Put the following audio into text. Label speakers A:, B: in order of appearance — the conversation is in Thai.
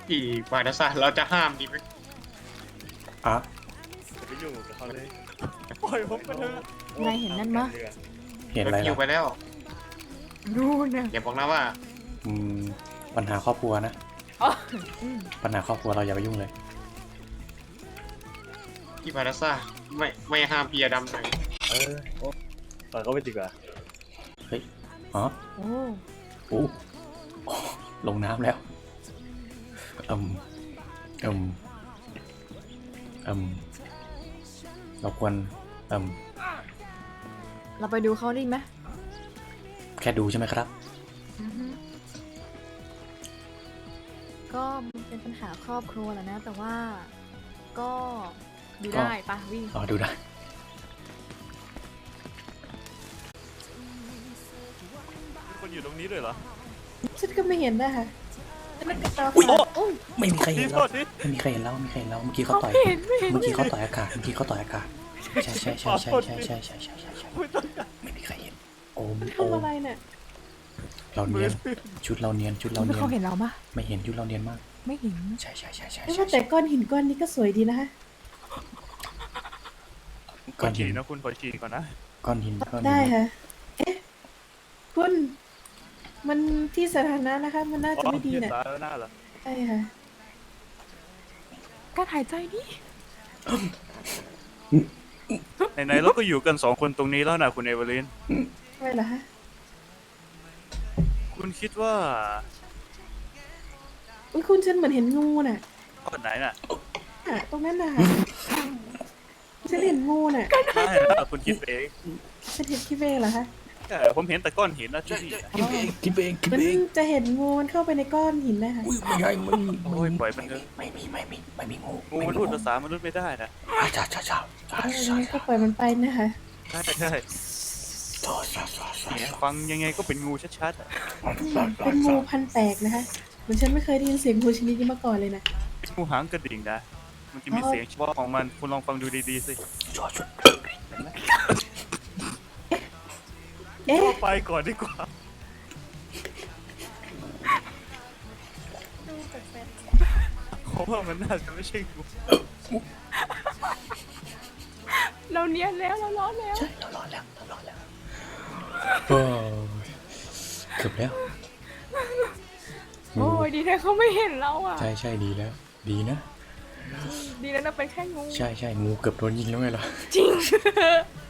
A: พี่มาดาซาเราจะห้ามดีไหม
B: อ่ะ
C: จะไปยุ่งกับเขาเลยปล่อยผมไปเถอะ
D: นายเห็นนั่นมะ
B: เห็นอะไร
A: คิวไป
B: ล่ะ
A: แล้ว
D: ดูนะ
A: อย่าบอกนะว่า
B: อืมปัญหาครอบครัวนะ
D: อ๋อ
B: ปัญหาครอบครัวเราอย่าไปยุ่งเลย
A: พี่มาดาซาไม่ห้ามพี่อดำหน่อย
C: ปล่อยเขาไปดีกว่า
B: เฮ้ยอ๋อ
D: โอ้
B: โอ้ลงน้ำแล้วอืมอืมอืมเราควรอืม
D: เราไปดูเขาดีไหม
B: แค่ดูใช่ไหมครับ
D: อือฮึก็มันเป็นปัญหาครอบครัวแหละนะ แต่ว่าก็ดูได้ปะวิ่ง
B: อ๋อดูได้
C: มีคนอยู่ตรงนี้ด้วยเหรอ
E: ฉันก็ไม่เห็นนะคะมันก็ตา
B: อุ๊ย
E: ฝาดโอ้ย
B: ไม่มีใครเห็น
C: โท
B: เรา
C: ษที
B: ไม่มีใครเห็นเราไม่มีใครเห็นเราเมื่อกี้เขาต่อย
D: ไม่เห็นไม่เห็น
B: เมื่อกี้เขาต่อยอากาศเมื่อกี้เขาต่อยอากาศใช่ใช่ใช่ใช่ใช่ใช่ใช่ใช่ใช่ใช่
C: ไม่ต้องการ
B: ไม่มีใครเห็นโอม
E: มัน
B: โอ
E: ทำ
B: ม
E: อะไรเนี่ย
B: เราเนียนชุดเราเนียนชุดเรา
D: ไม่
B: เนียน
D: เขาเห็นเราปะ
B: ไม่เห็นชุดเราเนียนมาก
D: ไม่เห็น
B: ใช่ใช่ใช่ใช่
E: ไม่
B: ใช่
E: ว่าแต่ก้อนหินก้อนนี้ก็สวยดีนะคะ
C: ขอฉี่นะคุณขอฉี่ก่อนนะ
B: ก้อนหินก้อนหิน
E: ได้ค่ะ เอ๊ะ คุณ มันที่สาธารณะนะคะ มันน่าจะไม่ดี
C: ยื
E: เนี่ย
C: สาธารณะเหรอ
E: ใช่ค่ะ
D: การหายใจดิ
C: ไหนๆเราก็อยู่กัน2 คนตรงนี้แล้วนะคุณเอเวอร์ลิน
E: ไม่เหรอคะ
C: คุณคิดว่า
E: อุ๊ยคุณฉันเหมือนเห็นงูน่ะ
C: ก้อนไหนน่ะ
E: ตรงนั้นน่ะฉันเห็นงูน่ะ
C: ไม่นะคุณคิดเอง
E: ฉันเห็นคิดเองเหรอคะ
C: ใช่ผมเห็นแต่ก้อนหินนะที่นี่
B: คิดเองคิดเองคิด
E: มัน
B: เอง
E: จะเห็นงูมันเข้าไปในก้อนหินนะคะ
B: อุ้ยไม่ใช่ไม่มี
C: โอ้ยปล่อยมันเถอะ
B: ไม่มีงู
C: งูมันพูดภาษามนุษย์ไม่ได้นะ
B: จ้าจ้าจ้าจ้า
E: เออก็ปล่อยมันไปนะคะ
C: ใช่ใช่เนี่ยฟังยังไงก็เป็นงูชัดๆอะ
E: เป็นงูพันแปลกนะคะเหมือนฉันไม่เคยได้ยินเสียงงูชนิดนี้มาก่อนเลยนะ
C: เป็นงูหางกระดิ่งนะมันจะมีเสียงเฉพาะของมันคุณลองฟังดูดีๆสิ
B: ช่วยช่วย
E: เอ๊ะ
C: ไปก่อนดีกว่าผมว่ามันน่าจะไม่ใช่งู
D: เราเนียนแล้วเราร้อนแล้ว
B: ใช่เรารอดแล้วโอ้ยเกือบแล้ว
D: โอ้ยดีแท้เขาไม่เห็นเราอ่ะ
B: ใช่ใช่ดีแล้ว ดีนะ
D: ดีแล้วนะเป็นแค่งู
B: ใช่ใช่งูเกือบโดนยิงแล้วไงล่ะ
D: จริง